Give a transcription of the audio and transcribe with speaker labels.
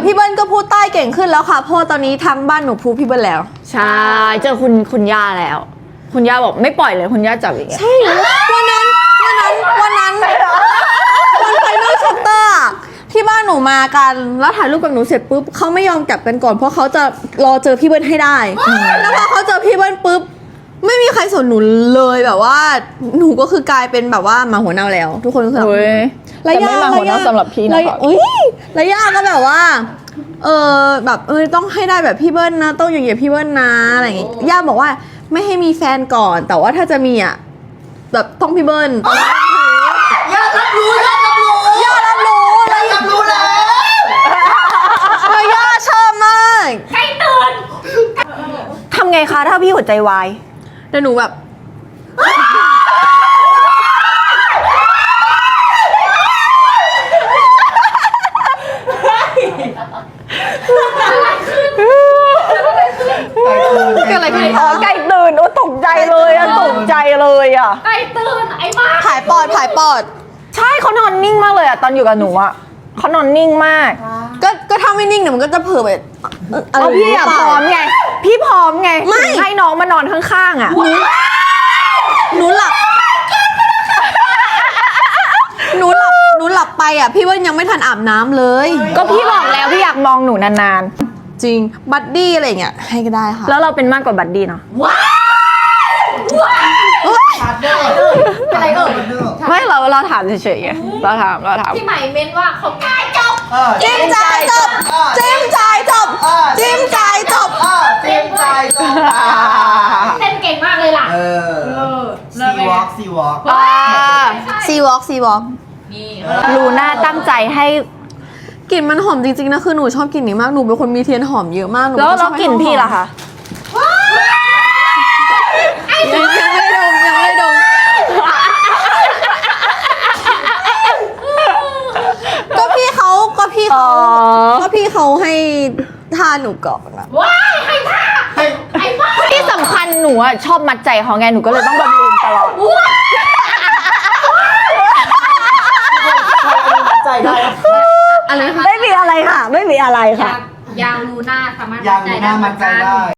Speaker 1: ยวพี่เบิ้ลก็พูดใต้เก่งขึ้นแล้วค่ะเพราะตอนนี้ทั้งบ้านหนูพูดพี่เบิ้ลแล้ว
Speaker 2: ใช่เจอคุณย่าแล้วคุณย่าบอกไม่ปล่อยเลยคุณย่าจับอย่างเงี้ย
Speaker 1: ใช่วันนั้นวันไฟนอลชัปเตอร์ที่บ้านหนูมากันแล้วถ่ายรูปกับหนูเสร็จปุ๊บเขาไม่ยอมกลับกันก่อนเพราะเขาจะรอเจอพี่เบิ้ลให้ได้แล้วพอเขาเจอพี่เบิ้ลปุ๊บไม่มีใครสนหนูเลยแบบว่าหนูก็คือกลายเป็นแบบว่าหมาหัวเน่าแล้วทุกคนก็คือ
Speaker 2: แต่ไม่มาหัวเน่าสำหรับพี่นะคะ
Speaker 1: แล้วย่าก็แบบว่าแบบต้องให้ได้แบบพี่เบิ้ลนะต้องอย่างเงี้ยพี่เบิ้ลนะอะไรอย่างเงี้ยย่าบอกว่าไม่ให้มีแฟนก่อนแต่ว่าถ้าจะมีอ่ะแบบต้องพี่เบิ้ล
Speaker 3: ย่ารับรู้แล้ว
Speaker 1: ย่าชอบมาก
Speaker 4: ใกล้ตื่น
Speaker 2: ทำไงคะถ้าพี่หัวใจวาย
Speaker 1: แต่หนูแบบ
Speaker 2: อะไรขึ้นอ๋อไก่ตื่นโอ้ตกใจเลยอะตกใจเลยอะ
Speaker 4: ใกล้ตื่นไอ้บ้า
Speaker 1: ผายปอด
Speaker 2: ใช่เขานอนนิ่งมากเลยอะตอนอยู่กับหนูอะเขานอนนิ่งมาก
Speaker 1: ก็ถ้าไม่นิ่งเนี่ยมันก็จะเผลอไป
Speaker 2: พี่อะพร้อมไงพี่พร้อมไงให้น้องมานอนข้างๆอะ
Speaker 1: หนูหลับไปอ่ะพี่ว่ายังไม่ทันอาบน้ำเลย
Speaker 2: ก็พี่บอกแล้วพี่อยากมองหนูนาน
Speaker 1: ๆจริงบัดดี้อะไรเงี้ยให้ก็ได้ค่ะ
Speaker 2: แล้วเราเป็นมากกว่าบัดดี้เนาะ
Speaker 4: อะไร
Speaker 2: ไม่เราถามเฉยๆไงเราถาม
Speaker 4: ที่หมายเม้นว่าเขาใกล้จบ
Speaker 1: จิ้มจ่ายจบ
Speaker 4: เต้นเก่งมากเลยล่ะ
Speaker 3: ซีวอล์ก
Speaker 4: นี่
Speaker 2: ลูน่าตั้งใจให้
Speaker 1: กลิ่นมันหอมจริงๆนะคือหนูชอบกลิ่นนี้มากหนูเป็นคนมีเทียนหอมเยอะมาก
Speaker 2: แล้วกลิ่นพี่ล่ะคะ
Speaker 1: ยังไม่ดมก็พี่เขาให้ทานหนูก่อนนะ
Speaker 4: ว้ายให้ท่าไอ้บ้า
Speaker 2: ที่สำคัญหนูอะชอบมัดใจเขาไงหนูก็เลยต้องบำรุงตลอด
Speaker 3: ใจได้
Speaker 1: อะไรคะ
Speaker 2: ไม่มีอะไรค่ะ
Speaker 4: ยางลูน่าสามารถ
Speaker 3: มัดใจได้